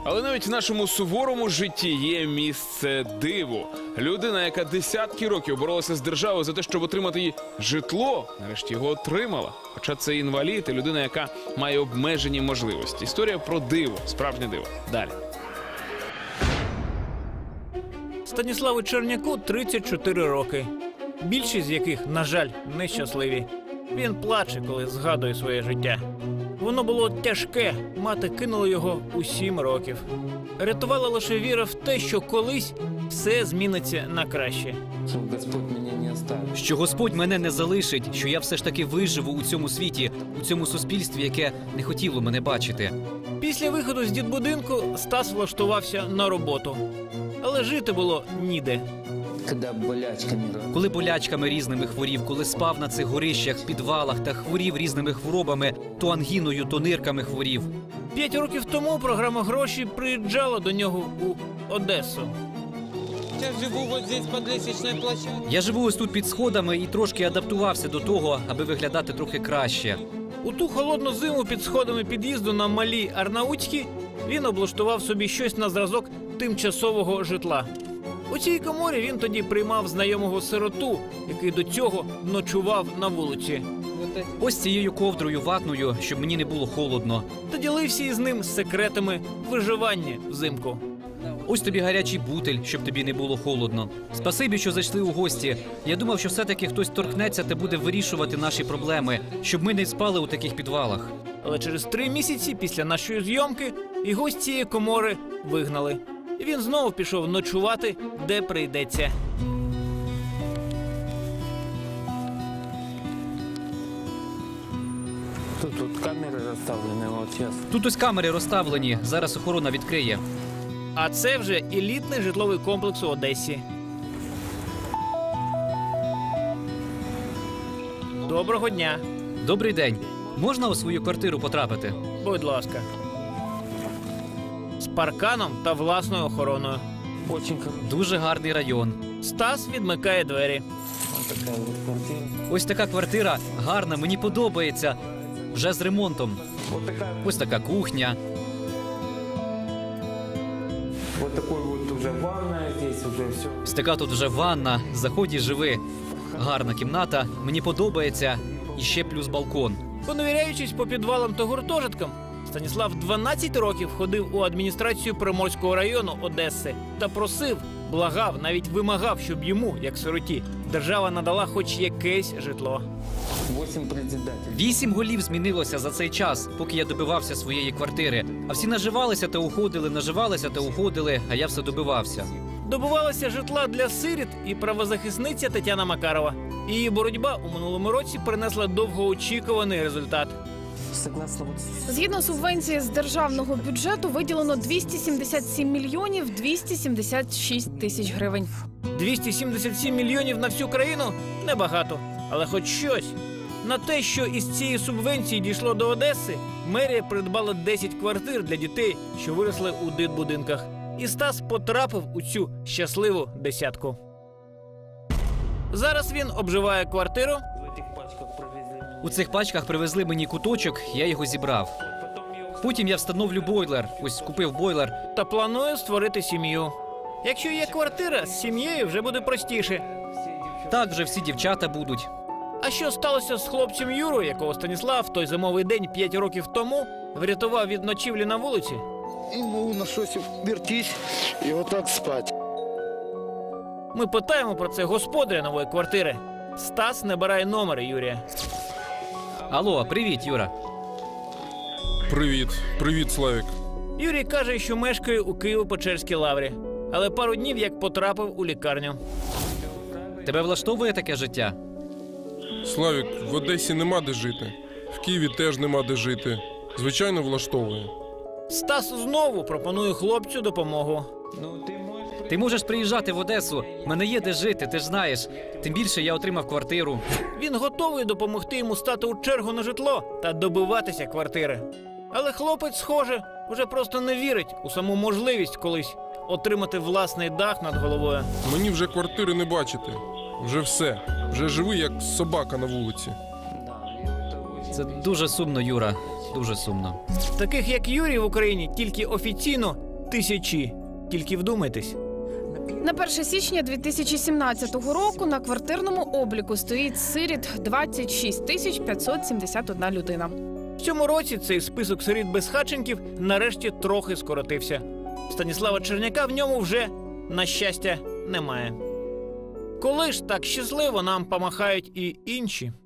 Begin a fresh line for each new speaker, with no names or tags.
Але навіть в нашому суворому житті є місце диву. Людина, яка десятки років боролася з державою за те, щоб отримати їй житло, нарешті його отримала. Хоча це інвалід і людина, яка має обмежені можливості. Історія про диво, справжнє диво. Далі.
Станіславу Черняку 34 роки. Більшість з яких, на жаль, нещасливі. Він плаче, коли згадує своє життя. Воно було тяжке, мати кинула його у 7 років. Рятувала лише віра в те, що колись все зміниться на краще.
Що Господь мене не залишить, що я все ж таки виживу у цьому світі, у цьому суспільстві, яке не хотіло мене бачити.
Після виходу з дитбудинку Стас влаштувався на роботу. Але жити було ніде.
Коли болячками різними хворів, коли спав на цих горищах, підвалах та хворів різними хворобами, то ангіною, то нирками хворів.
5 років тому програма «Гроші» приїжджала до нього у Одесу.
Я живу ось тут під сходами і трошки адаптувався до того, аби виглядати трохи краще.
У ту холодну зиму під сходами під'їзду на Малій Арнаутській він облаштував собі щось на зразок тимчасового житла. У цій коморі він тоді приймав знайомого сироту, який до цього ночував на вулиці.
Ось цією ковдрою ватною, щоб мені не було холодно.
Та ділився із ним секретами виживання взимку.
Ось тобі гарячий бутиль, щоб тобі не було холодно. Спасибі, що зайшли у гості. Я думав, що все-таки хтось торкнеться та буде вирішувати наші проблеми, щоб ми не спали у таких підвалах.
Але через 3 місяці після нашої зйомки його з цієї комори вигнали. І він знову пішов ночувати, де прийдеться.
Тут камери розставлені, от зараз.
Тут ось камери розставлені, зараз охорона відкриє.
А це вже елітний житловий комплекс у Одесі. Доброго дня.
Добрий день. Можна у свою квартиру потрапити?
Будь ласка. З парканом та власною охороною.
Дуже гарний район.
Стас відмикає двері.
Ось така квартира гарна, мені подобається. Вже з ремонтом. Ось така кухня.
Вот такой вот уже ванная, здесь уже все.
Ось така тут вже ванна. Заході, живи. Гарна кімната, мені подобається. І ще плюс балкон.
Поневіряючись по підвалам та гуртожиткам, Станіслав 12 років ходив у адміністрацію Приморського району Одеси та просив, благав, навіть вимагав, щоб йому, як сироті, держава надала хоч якесь житло.
8 председателей.
8 голів змінилося за цей час, поки я добивався своєї квартири. А всі наживалися та уходили, наживалися та уходили, а я все добивався.
Добувалася житла для сиріт і правозахисниця Тетяна Макарова. Її боротьба у минулому році принесла довгоочікуваний результат.
Згідно субвенції з державного бюджету виділено 277 мільйонів 276 тисяч гривень.
277 мільйонів на всю країну – небагато, але хоч щось. На те, що із цієї субвенції дійшло до Одеси, мерія придбала 10 квартир для дітей, що виросли у дитбудинках. І Стас потрапив у цю щасливу десятку. Зараз він обживає квартиру.
У цих пачках привезли мені куточок, я його зібрав. Потім я встановлю бойлер. Ось купив бойлер.
Та планує створити сім'ю. Якщо є квартира, з сім'єю вже буде простіше.
Так вже всі дівчата будуть.
А що сталося з хлопцем Юрою, якого Станіслав в той зимовий день 5 років тому врятував від ночівлі на вулиці?
Ему на щось вертись і отак спати.
Ми питаємо про це господаря нової квартири. Стас набирає номери Юрія.
Алло, привіт, Юра.
Привіт. Привіт, Славік.
Юрій каже, що мешкає у Києво-Печерській лаврі. Але пару днів як потрапив у лікарню.
Тебе влаштовує таке життя?
Славік, в Одесі нема де жити. В Києві теж нема де жити. Звичайно, влаштовує.
Стас знову пропонує хлопцю допомогу.
Ти можеш приїжджати в Одесу. В мене є де жити, ти ж знаєш. Тим більше я отримав квартиру.
Він готовий допомогти йому стати у чергу на житло та добиватися квартири. Але хлопець, схоже, вже просто не вірить у саму можливість колись отримати власний дах над головою.
Мені вже квартири не бачити. Вже все. Вже живу, як собака на вулиці.
Це дуже сумно, Юра. Дуже сумно.
Таких, як Юрій в Україні, тільки офіційно Тисячі. Тільки вдумайтесь.
На 1 січня 2017 року на квартирному обліку стоїть сиріт 26 571 людина.
В цьому році цей список сиріт-безхатченків нарешті трохи скоротився. Станіслава Черняка в ньому вже, на щастя, немає. Коли ж так щасливо нам помахають і інші?